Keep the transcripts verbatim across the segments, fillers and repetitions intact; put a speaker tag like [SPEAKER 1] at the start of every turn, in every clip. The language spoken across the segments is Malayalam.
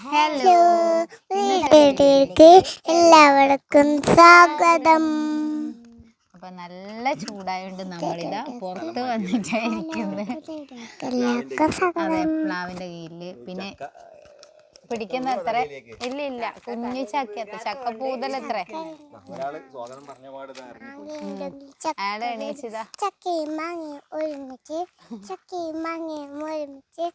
[SPEAKER 1] ഹലോ, വീട്ടിലേക്ക് എല്ലാവർക്കും സ്വാഗതം. അപ്പൊ നല്ല ചൂടായോണ്ട് നമ്മളിതാ പുറത്ത് വന്നിട്ടായിരിക്കുന്നത്. അതെ, പ്ലാവിന്റെ കീഴില്. പിന്നെ പിടിക്കുന്ന എത്ര ഇല്ല ഇല്ല കുഞ്ഞു ചക്ക ചക്കപ്പൂതൽ എത്ര ആടെ എണീച്ചതാ. ചക്കയും മാങ്ങയും ഒരുമിച്ച് ചക്കയും മാങ്ങയും ഒരുമിച്ച്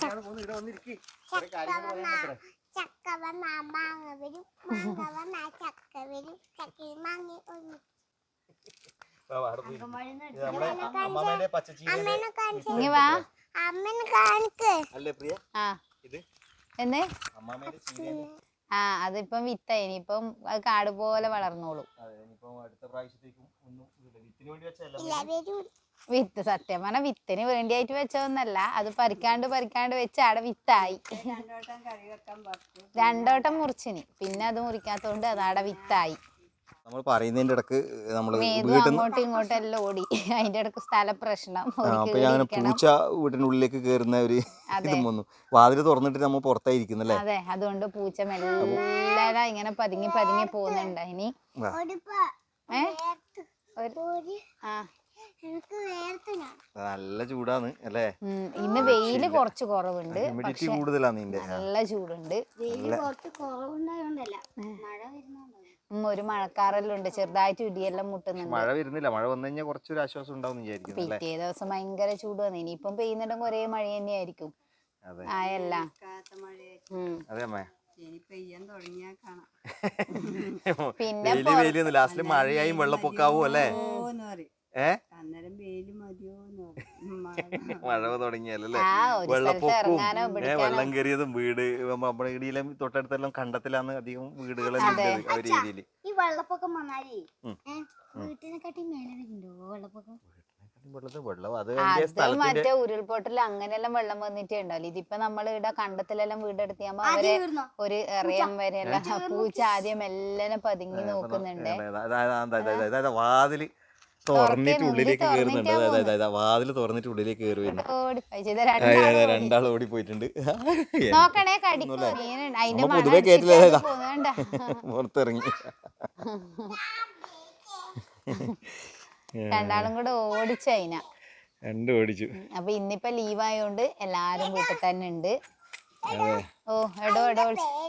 [SPEAKER 1] ചക്ക വന്നാ മാങ്ങ വരും, മാങ്ങ വന്നാ ചക്ക വരും, ചക്കയും മാങ്ങയും ഒരുമിച്ച്. ഇങ്ങ വാ അമ്മനെ കാണിക്ക്. ആ എന്ന് ആ അതിപ്പം വിത്തായി, ഇനിയിപ്പം അത് കാട് പോലെ വളർന്നോളൂ. വിത്ത് സത്യം പറഞ്ഞ വിത്തിന് വേണ്ടിയായിട്ട് വെച്ചതൊന്നല്ല, അത് പരിക്കാണ്ട് പരിക്കാണ്ട് വെച്ച് അവിടെ വിത്തായി. രണ്ടോട്ടം മുറിച്ചിനി, പിന്നെ അത് മുറിക്കാത്തോണ്ട് അത് അവിടെ വിത്തായി.
[SPEAKER 2] നമ്മൾ പറയുന്നതിന്റെ ഇടക്ക് നമ്മള്
[SPEAKER 1] അങ്ങോട്ടും ഇങ്ങോട്ടും എല്ലാം ഓടി. അതിന്റെ ഇടക്ക് സ്ഥല പ്രശ്നം.
[SPEAKER 2] പൂച്ച വീട്ടിനുള്ളിലേക്ക് കയറുന്ന ഒരു ഇതും വന്നു. വാതില് തുറന്നിട്ട് നമ്മൾ പുറത്തായിരിക്കുന്നല്ലേ.
[SPEAKER 1] അതെ, അതുകൊണ്ട് പൂച്ച മെല്ലെ ഇങ്ങനെ പതുങ്ങി പതുങ്ങി പോകുന്നുണ്ട്. ഇനി
[SPEAKER 2] നല്ല ചൂടാണ് അല്ലേ.
[SPEAKER 1] ഇന്ന് വെയില് കുറച്ച് കുറവുണ്ട്,
[SPEAKER 2] ഹ്യൂമിഡിറ്റി കൂടുതലാണ്.
[SPEAKER 1] നല്ല ചൂടുണ്ട്. ഒരു മഴക്കാറെല്ലാം ഉണ്ട്, ചെറുതായിട്ട് ഇടിയെല്ലാം മുട്ടുന്നുണ്ട്.
[SPEAKER 2] മഴ വരുന്നില്ല, മഴ വന്നു കഴിഞ്ഞാൽ കുറച്ചൊരു ആശ്വാസം ഉണ്ടാവും വിചാരിക്കുന്നു.
[SPEAKER 1] പിറ്റേ ദിവസം ഭയങ്കര ചൂട് വന്നു. ഇനിയിപ്പം പെയ്യുന്നുണ്ടെങ്കിൽ ഒരേ മഴ തന്നെയായിരിക്കും. ആയല്ല
[SPEAKER 2] പിന്നെ ലാസ്റ്റില് മഴയായും വെള്ളപ്പൊക്കാവും അല്ലേ. മഴ തുടങ്ങിയല്ലേ, വെള്ളപ്പൊക്കവും വെള്ളം കയറിയതും വീട് നമ്മുടെ ഇടിയിലും തൊട്ടടുത്തെല്ലാം കണ്ടത്തിലാണ് അധികം വീടുകളെല്ലാം ആ ഒരു രീതിയില്.
[SPEAKER 1] ഈ വെള്ളപ്പൊക്കം വന്നാലേ വീട്ടിനെക്കാട്ടി മേലെ വരുന്നുണ്ടോ വെള്ളപ്പൊക്കം? മറ്റേ ഉരുൾപൊട്ടൽ അങ്ങനെയെല്ലാം വെള്ളം വന്നിട്ടേ ഉണ്ടാവില്ല. ഇതിപ്പോ നമ്മൾ ഇവിടെ കണ്ടത്തിലെല്ലാം വീടെടുത്തിയാകുമ്പോ അവരെ ഒരു എറിയാൻ വരെയല്ല. പൂച്ച ആദ്യം എല്ലാം പതുങ്ങി നോക്കുന്നുണ്ട്.
[SPEAKER 2] വാതില് തുറന്നിട്ട് ഉള്ളിലേക്ക് കയറുന്നുണ്ട്. അതായത് വാതില് തുറന്നിട്ട് ഉള്ളിലേക്ക് കയറി വരുന്നുണ്ട്. രണ്ടാൾ ഓടി പോയിട്ടുണ്ട്. പൊതുവെ കേട്ടില്ല, പുറത്തിറങ്ങി.
[SPEAKER 1] രണ്ടാളും കൂടെ ഓടിച്ചതിന
[SPEAKER 2] രണ്ടും ഓടിച്ചു.
[SPEAKER 1] അപ്പൊ ഇന്നിപ്പോ ലീവ് ആയോണ്ട് എല്ലാരും വീട്ടിൽ തന്നെ ഉണ്ട്. ഓ എടോ എടോ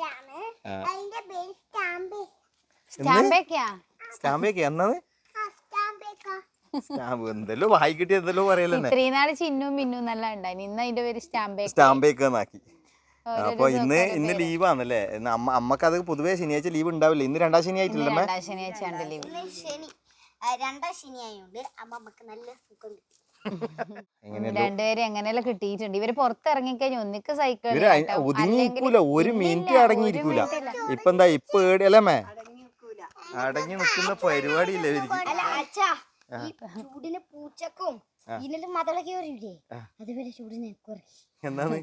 [SPEAKER 1] സ്റ്റാമ്പേക്കാ
[SPEAKER 2] സ്റ്റാമ്പേക്കാ എന്നത് സ്റ്റാമ്പ് എന്തെല്ലോ വായി കിട്ടി എന്തെല്ലോ പറയല്ലേ.
[SPEAKER 1] ഇത്രയും നാള് ചിന്നും മിന്നും നല്ല ഉണ്ടായി. ഇന്ന് അതിന്റെ പേര് സ്റ്റാമ്പേ
[SPEAKER 2] സ്റ്റാമ്പേക്കാക്കി. അപ്പൊ ഇന്ന് ഇന്ന് ലീവാന്നല്ലേ. അമ്മ അമ്മക്ക് അത് പൊതുവേ ശനിയാഴ്ച ലീവ് ഉണ്ടാവില്ല. ഇന്ന് രണ്ടാം ശനി ആയിട്ടില്ലമ്മ.
[SPEAKER 1] രണ്ടാം ശനിയാഴ്ച ലീവ്. രണ്ടാം ശനിയായോണ്ട് അമ്മമ്മക്ക് നല്ല സുഖം കിട്ടി. രണ്ടുപേരും എങ്ങനെയെല്ലാം കിട്ടിയിട്ടുണ്ട്. ഇവര് പുറത്തിറങ്ങിക്കഴിഞ്ഞ ഒന്നിക്ക് സൈക്കിൾ
[SPEAKER 2] ഒതുങ്ങിക്കൂല, ഒരു മിനിറ്റ് അടങ്ങിയിരിക്കൂല. ഇപ്പൊ എന്താ ഇപ്പൊ ഏടിയല്ലേ അടങ്ങി നിൽക്കുന്ന പരിപാടിയില്ല ഇവർക്ക്.
[SPEAKER 1] ചൂടിന് പൂച്ചക്കും ഇതിന്റെ മതളൊക്കെ വരില്ലേ, അതുപോലെ ചൂടിന്
[SPEAKER 2] എന്താണ്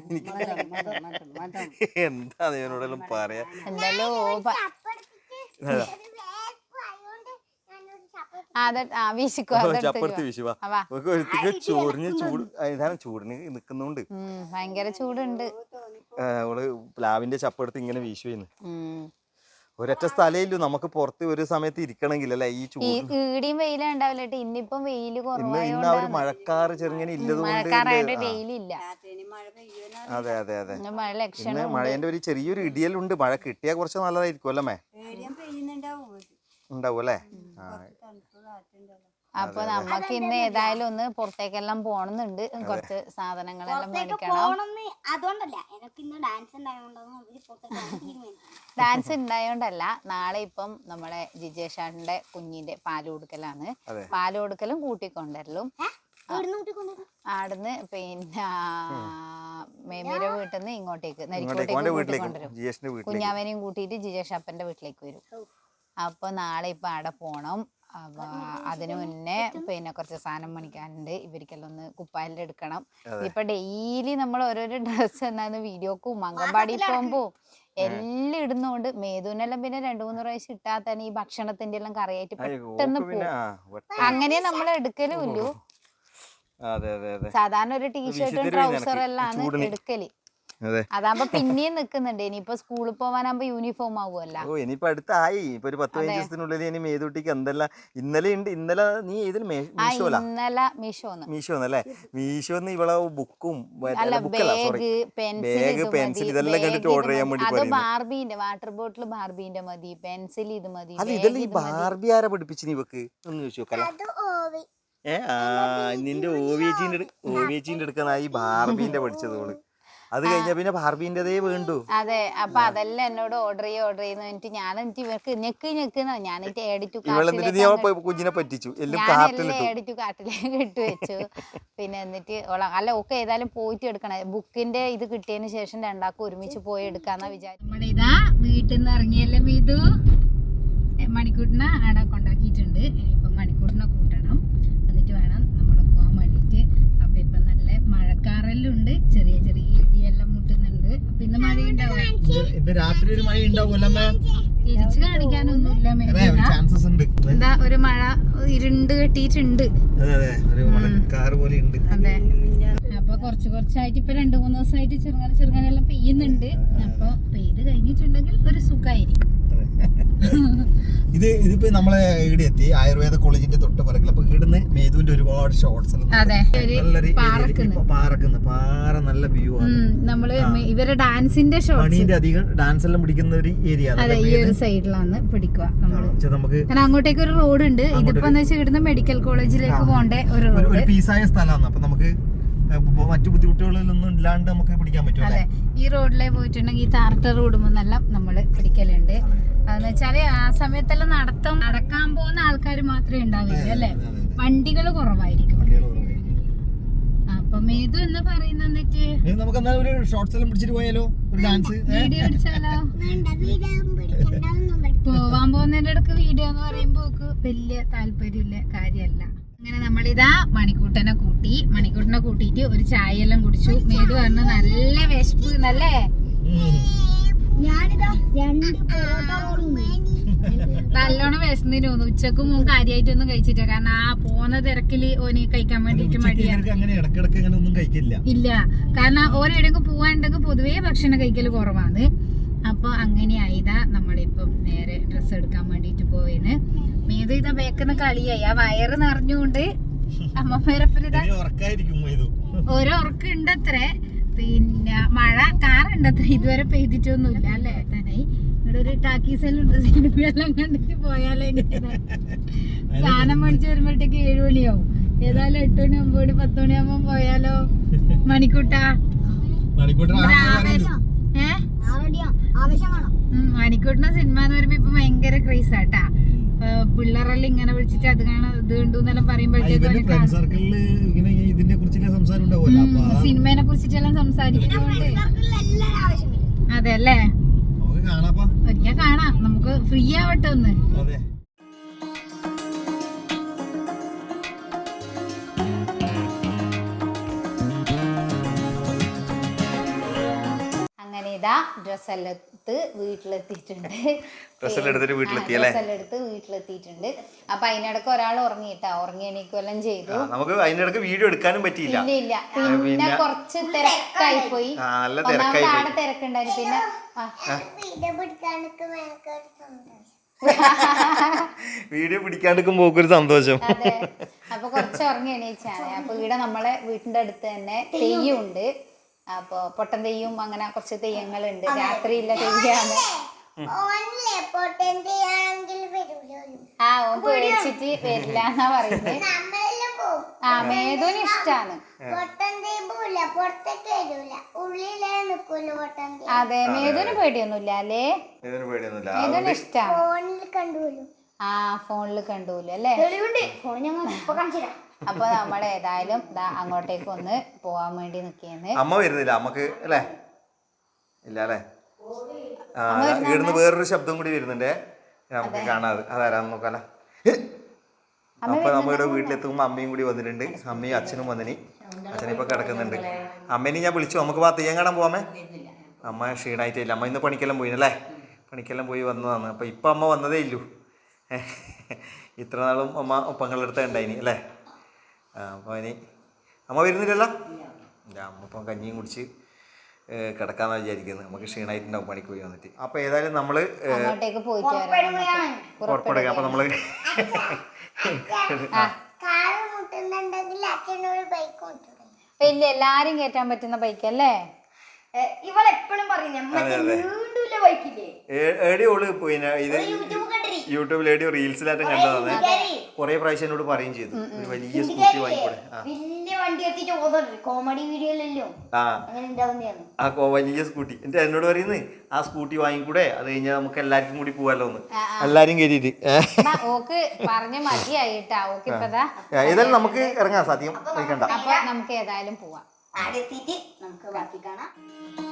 [SPEAKER 2] എന്താ ഇവനോടെല്ലാം പറയാ.
[SPEAKER 1] എന്തായാലും
[SPEAKER 2] ചപ്പടുത്ത് വീശുവാ ചൊറിഞ്ഞ് ചൂട് ഇതാണ് ചൂടിന് നിക്കുന്നുണ്ട്.
[SPEAKER 1] ഭയങ്കര ചൂടുണ്ട്.
[SPEAKER 2] അവള് പ്ലാവിന്റെ ചപ്പെടുത്ത് ഇങ്ങനെ വീശുവെന്ന്. ഒരൊറ്റ സ്ഥലയില്ലു നമുക്ക് പുറത്ത് ഒരു സമയത്ത് ഇരിക്കണമെങ്കിൽ അല്ലെ. ഈ ചൂട്
[SPEAKER 1] ഈടിയും വെയിലും ഉണ്ടാവില്ല. ഇന്നിപ്പം വെയില്
[SPEAKER 2] ഇന്ന് ആ ഒരു മഴക്കാറ് ചെറുങ്ങനെ ഇല്ലതുകൊണ്ട്. അതെ അതെ അതെ, ഇന്ന് മഴേന്റെ ഒരു ചെറിയൊരു ഇടിയലുണ്ട്. മഴ കിട്ടിയാൽ കുറച്ച് നല്ലതായിരിക്കും അല്ലേ. ഉണ്ടാവും അല്ലേ.
[SPEAKER 1] അപ്പൊ നമ്മക്ക് ഇന്ന് ഏതായാലും ഒന്ന് പുറത്തേക്കെല്ലാം പോണമെന്നുണ്ട്. കുറച്ച് സാധനങ്ങളെല്ലാം മേടിക്കണം. ഡാൻസ് ഉണ്ടായോണ്ടല്ല, നാളെ ഇപ്പം നമ്മളെ ജിജേഷാന്റെ കുഞ്ഞിന്റെ പാല് കൊടുക്കലാണ്. പാല് കൊടുക്കലും കൂട്ടിക്കൊണ്ടരലും ആടുന്ന് പിന്നെ മേമിയുടെ വീട്ടിൽ നിന്ന് ഇങ്ങോട്ടേക്ക് നരിക്കോട്ടേക്ക് കൂട്ടിക്കൊണ്ടുവരും. കുഞ്ഞാവനെയും കൂട്ടിയിട്ട് ജിജേഷാപ്പന്റെ വീട്ടിലേക്ക് വരും. അപ്പൊ നാളെ ഇപ്പൊ അവിടെ പോണം. അപ്പൊ അതിനു മുന്നേ പിന്നെ കുറച്ച് സാധനം മേടിക്കാനുണ്ട്. ഇവർക്കെല്ലാം ഒന്ന് കുപ്പായെല്ലാം എടുക്കണം. ഇപ്പൊ ഡെയിലി നമ്മൾ ഓരോരോ ഡ്രസ്സ് എന്നാന്ന് വീഡിയോക്കും അംഗൻവാടി പോകുമ്പോ എല്ലാം ഇടുന്നോണ്ട് മേധുവിനെല്ലാം പിന്നെ രണ്ടു മൂന്ന് പ്രാവശ്യം ഇട്ടാൽ തന്നെ ഈ ഭക്ഷണത്തിന്റെ എല്ലാം കറിയായിട്ട് പെട്ടെന്ന് പോകും. അങ്ങനെ നമ്മൾ എടുക്കലും ഇല്ലു. സാധാരണ ഒരു ടീഷർട്ടും ട്രൗസറും എല്ലാം എടുക്കല്. അതാകുമ്പോ പിന്നെയും നിക്കുന്നുണ്ട്. ഇനിയിപ്പോ സ്കൂളിൽ പോവാനാകുമ്പോ യൂണിഫോം ആവുമല്ലോ.
[SPEAKER 2] ഓ ഇനിയിപ്പോ അടുത്തായി ഇപ്പൊ ഒരു പത്ത് പതിനഞ്ച് ദിവസത്തിനുള്ളിൽ ഇനി മേതുട്ടിക്ക് എന്തെല്ലാം ഇന്നലെ ഉണ്ട്. ഇന്നലെ നീ ഏതിൽ മീഷോലാ?
[SPEAKER 1] ഇന്നലെ മീഷോന്ന്
[SPEAKER 2] മീഷോന്നല്ലേ? മീഷോന്ന് ഇവളെ ബുക്കും
[SPEAKER 1] ബാഗ്
[SPEAKER 2] ബാഗ് പെൻസിൽ ഇതെല്ലാം കണ്ടിട്ട് ഓർഡർ ചെയ്യാൻ വേണ്ടി
[SPEAKER 1] അത് ബാർബിന്റെ വാട്ടർ ബോട്ടിൽ ബാർബിന്റെ മതി, പെൻസിൽ ഇത് മതി.
[SPEAKER 2] അല്ല ഇതെല്ലാം ഈ ബാർബി ആരാ പഠിപ്പിച്ചു ഇവക്ക് ഒന്ന് ചോദിച്ചു നോക്കല. ഏ ആ നിന്റെ ഓവിയച്ചീന്റെ ഓവിയച്ചീന്റെ എടുക്കുന്ന ഈ ബാർബീന്റെ പഠിച്ചതോള്. അത് കഴിഞ്ഞ പിന്നെ ബാർബീന്റെതേ വേണ്ടു.
[SPEAKER 1] അതെ, അപ്പൊ അതെല്ലാം എന്നോട് ഓർഡർ ചെയ്യ ഓർഡർ ചെയ്യുന്ന എന്നിട്ട് ഞാൻ എന്നിട്ട് ഇവർക്ക് ഞെക്ക് ഞെക്കുന്ന ഞാൻ
[SPEAKER 2] കുഞ്ഞിനെ പറ്റിച്ചു എല്ലാം
[SPEAKER 1] എഡിറ്റു കാട്ടിലേക്ക് ഇട്ട് വെച്ചു. പിന്നെ എന്നിട്ട് അല്ല ഒക്കെ ഏതായാലും പോയിട്ട് എടുക്കണം. ബുക്കിന്റെ ഇത് കിട്ടിയതിന് ശേഷം രണ്ടാക്കും ഒരുമിച്ച് പോയി എടുക്കാന്നാ വിചാരിച്ചു. നമ്മുടെ ഇതാ വീട്ടിൽ നിന്ന് ഇറങ്ങിയല്ലേ ഇത് മണിക്കൂട്ടിനെ അവിടെ കൊണ്ടാക്കിയിട്ടുണ്ട്. ഇനിയിപ്പൊ മണിക്കൂട്ടിനെ കൂട്ടണം, എന്നിട്ട് വേണം നമ്മൾ പോകാൻ വേണ്ടിട്ട്. അപ്പൊ ഇപ്പൊ നല്ല മഴക്കാറെല്ലാം ചെറിയ ചെറിയ ഇടിയെല്ലാം മുട്ടുന്നുണ്ട്. അപ്പൊ ഇന്ന് മഴ ഉണ്ടാവും,
[SPEAKER 2] രാത്രി ഒരു മഴ ഉണ്ടാവുമല്ലോ.
[SPEAKER 1] തിരിച്ചു കാണിക്കാനൊന്നുമില്ല. എന്താ ഒരു മഴ ഇരുണ്ട് കെട്ടിയിട്ടുണ്ട്. അതെ, അപ്പൊ കുറച്ച് കുറച്ചായിട്ട് ഇപ്പൊ രണ്ടു മൂന്ന് ദിവസമായിട്ട് ചെറുങ്ങനെ ചെറുങ്ങനെ എല്ലാം പെയ്യുന്നുണ്ട്. അപ്പൊ പെയ്ത് കഴിഞ്ഞിട്ടുണ്ടെങ്കിൽ ഒരു സുഖമായിരിക്കും.
[SPEAKER 2] ഇത് ഇതിപ്പോ നമ്മളെ ഇവിടെ എത്തി ആയുർവേദ കോളേജിന്റെ തൊട്ട് പറക്കില്ല. അപ്പൊ ഇവിടുന്ന് മേതുവിന്റെ ഒരുപാട് ഷോർട്സ് പാറക്കുന്ന പാറ നല്ല വ്യൂ ആണ്.
[SPEAKER 1] നമ്മള് ഇവരെ ഡാൻസിന്റെ
[SPEAKER 2] മണീന്റെ അധികം ഡാൻസ് എല്ലാം പിടിക്കുന്ന ഒരു ഏരിയ
[SPEAKER 1] ഈ ഒരു സൈഡിലാണ് പിടിക്കുക. നമുക്ക് അങ്ങോട്ടേക്ക് ഒരു റോഡ് ഉണ്ട്. ഇതിപ്പോ ഇവിടുന്ന് മെഡിക്കൽ കോളേജിലേക്ക് പോകേണ്ട ഒരു
[SPEAKER 2] ഒരു പീസായ സ്ഥലമാണ്. അപ്പൊ നമുക്ക് മറ്റു ബുദ്ധിമുട്ടുകളൊന്നും ഇല്ലാണ്ട് നമുക്ക് പിടിക്കാൻ പറ്റും.
[SPEAKER 1] അതെ, ഈ റോഡിലെ പോയിട്ടുണ്ടെങ്കിൽ ഈ താർട്ട റോഡ് മുന്നെല്ലാം നമ്മള് പിടിക്കലുണ്ട്. അതെന്ന് വെച്ചാല് ആ സമയത്തെല്ലാം നടത്തം നടക്കാൻ പോകുന്ന ആൾക്കാർ മാത്രമേ ഉണ്ടാവില്ല അല്ലെ, വണ്ടികൾ കുറവായിരിക്കും. അപ്പൊ മേതു എന്ന് പറയുന്ന വീഡിയോ പിടിച്ചാലോ? പോവാൻ പോകുന്നതിന്റെ ഇടക്ക് വീഡിയോ എന്ന് പറയുമ്പോ വലിയ താല്പര്യമില്ല കാര്യമല്ല. അങ്ങനെ നമ്മളിതാ മണിക്കൂട്ടനെ കൂട്ടി മണിക്കൂട്ടനെ കൂട്ടിയിട്ട് ഒരു ചായ എല്ലാം കുടിച്ചു. മേതു പറഞ്ഞു നല്ല വിശപ്പ് നല്ലേ. നല്ലോണം വിശന്നിന് തോന്നുന്നു. ഉച്ചക്ക് മൂന്ന് കാര്യമായിട്ടൊന്നും കഴിച്ചില്ല. കാരണം ആ പോന്ന തിരക്കില് ഓന് കഴിക്കാൻ വേണ്ടിട്ട് മടിയാണ്. ഇല്ല, കാരണം ഓരെവിടെയൊക്കെ പോവാനുണ്ടെങ്കിൽ പൊതുവേ ഭക്ഷണം കഴിക്കല് കുറവാണ്. അപ്പൊ അങ്ങനെയായിതാ നമ്മളിപ്പം നേരെ ഡ്രസ്സ് എടുക്കാൻ വേണ്ടിട്ട് പോയിന്. മേതു ഇതാ ബേക്കുന്ന കളിയായി. ആ വയറ് നിറഞ്ഞുകൊണ്ട് അമ്മമ്മേരപ്പനിതാ ഓരോ ഉറക്കുണ്ടത്രേ. പിന്നെ മഴ കാറുണ്ടത്രേ, ഇതുവരെ പെയ്തിട്ടൊന്നുമില്ല അല്ലേ. തനായി ഇവിടെ ഒരു ടാക്കീസെല്ലാം സിനിമയെല്ലാം കണ്ടിട്ട് പോയാലേ സാധനം മേടിച്ച് വരുമ്പോഴത്തേക്ക് ഏഴു മണിയാവും. ഏതായാലും എട്ട് മണി ഒമ്പത് മണി പത്ത് മണിയാകുമ്പോ പോയാലോ മണിക്കൂട്ടാ? ഏഹ് മണിക്കൂട്ടിന സിനിമ എന്ന് പറയുമ്പോ ഇപ്പൊ ഭയങ്കര ക്രേസ് ആട്ടാ. പിള്ളേരെല്ലാം ഇങ്ങനെ വിളിച്ചിട്ട് അത് കാണാൻ ഇത് കണ്ടു എന്നെല്ലാം പറയുമ്പോഴത്തേക്കും സിനിമയെ കുറിച്ചിട്ടെല്ലാം സംസാരിക്കുന്നുണ്ട്. അതെ അല്ലേ, ഒരിക്കൽ കാണാം. നമുക്ക് ഫ്രീ ആവട്ടെ ഒന്ന്. അങ്ങനെ ഇതാ ഡ്രസ്സെല്ലാം എടുത്ത് വീട്ടിലെത്തിയിട്ടുണ്ട്.
[SPEAKER 2] ഡ്രസ്സെടുത്ത്
[SPEAKER 1] വീട്ടിലെത്തിയിട്ടുണ്ട്. അപ്പൊ അതിനിടക്ക് ഒരാൾ ഉറങ്ങിയിട്ടാ, ഉറങ്ങി എണീക്കെല്ലാം ചെയ്തു.
[SPEAKER 2] നമുക്ക് അതിനിടക്ക് വീഡിയോ എടുക്കാനും പറ്റിയില്ല.
[SPEAKER 1] ഇല്ല ഇല്ല പിന്നെ കുറച്ച് തിരക്കായി പോയി. ആടെ തിരക്കുണ്ടായിരുന്നു. പിന്നെ
[SPEAKER 2] വീഡിയോ പിടിക്കാണ്ടിരിക്കുമ്പോ ഒരു സന്തോഷം.
[SPEAKER 1] അതെ, അപ്പൊ കുറച്ച് ഉറങ്ങി എണീച്ചാണ്. അപ്പൊ ഇവിടെ നമ്മളെ വീട്ടിന്റെ അടുത്ത് തന്നെ തെയ്യമുണ്ട്. അപ്പൊ പൊട്ടൻ തെയ്യം അങ്ങനെ കുറച്ച് തെയ്യങ്ങളുണ്ട്. രാത്രിയില്ല തെയ്യാണ്. ആ ഓൻ പേടിച്ചിട്ട് വരില്ല എന്നാ പറയുന്നത്. ആ മേതുവിന് ഇഷ്ടാണ്. അതെ, മേതുവിന് പേടിയൊന്നുമില്ല അല്ലേ? മേതുവിന് ഇഷ്ടാണ്. ആ ഫോണിൽ കണ്ടുപോലും അല്ലേ? അപ്പൊ നമ്മൾ ഏതായാലും അങ്ങോട്ടേക്ക് ഒന്ന് പോവാൻ വേണ്ടി നിൽക്കുന്നത്.
[SPEAKER 2] അമ്മ വരുന്നില്ല അമ്മക്ക് അല്ലേ? ഇല്ല അല്ലേ? ഇവിടുന്ന് വേറൊരു ശബ്ദം കൂടി വരുന്നുണ്ടേ, നമുക്ക് കാണാതെ. അതാരാന്ന് നോക്കാല. അപ്പൊ നമ്മളുടെ വീട്ടിലെത്തുമ്പോ അമ്മയും കൂടി വന്നിട്ടുണ്ട്. അമ്മയും അച്ഛനും വന്നിനി. അച്ഛനിപ്പൊ കിടക്കുന്നുണ്ട്. അമ്മേനെ ഞാൻ വിളിച്ചു, നമുക്ക് പാ തെയ്യം കാണാൻ പോവാമേ. അമ്മ ക്ഷീണായിട്ടില്ല. അമ്മ ഇന്ന് പണിക്കെല്ലാം പോയിനല്ലേ? പണിക്കെല്ലാം പോയി വന്നതാണ്. അപ്പൊ ഇപ്പൊ അമ്മ വന്നതേ ഇല്ലു. ഇത്ര നാളും അമ്മ ഒപ്പങ്ങളെടുത്ത ഉണ്ടായിനി അല്ലേ? അപ്പോൾ ഇനി അമ്മ വരുന്നില്ലല്ലോ. അമ്മ ഇപ്പം കഞ്ഞിയും കുടിച്ച് കിടക്കാന്ന് വിചാരിക്കുന്നത്. നമുക്ക് ക്ഷീണമായിട്ടുണ്ടാവും പണിക്ക് പോയി വന്നിട്ട്. അപ്പോൾ ഏതായാലും നമ്മൾ
[SPEAKER 1] അങ്ങോട്ടേക്ക് പോയിട്ട് വരാം.
[SPEAKER 2] പുറപ്പെടുക. അപ്പോൾ നമ്മൾ
[SPEAKER 1] ഇല്ല എല്ലാരും കയറ്റാൻ പറ്റുന്ന ബൈക്കല്ലേ
[SPEAKER 3] ഇവളെപ്പോഴും
[SPEAKER 2] ഏടിയോള് പിന്നെ ഇത് യൂട്യൂബിൽ ഏടിയോ റീൽസിലായിട്ടും കണ്ടതാണ്. കുറെ പ്രാവശ്യം എന്നോട് പറയുകയും ചെയ്തു ഒരു വലിയ സ്കൂട്ടി വാങ്ങിക്കൂടെ.
[SPEAKER 3] കോമഡി വീഡിയോയിലല്ലോ
[SPEAKER 2] ആ ആ വലിയ സ്കൂട്ടി എന്നിട്ട് എന്നോട് പറയുന്നത് ആ സ്കൂട്ടി വാങ്ങിക്കൂടെ, അത് കഴിഞ്ഞാൽ നമുക്ക് എല്ലാവർക്കും കൂടി പോവാലോ ഒന്ന്, എല്ലാരും കയറിയിട്ട്.
[SPEAKER 1] ഓക്ക് പറഞ്ഞ മതിയായിട്ടാ ഓക്ക് ഇപ്പതാ
[SPEAKER 2] ഏതായാലും നമുക്ക് ഇറങ്ങാം. സത്യം വയ്ക്കണ്ട.
[SPEAKER 1] അപ്പൊ നമുക്ക് ഏതായാലും പോവാം.
[SPEAKER 3] ആടെത്തിയിട്ട് നമുക്ക് ബാക്കി കാണാം.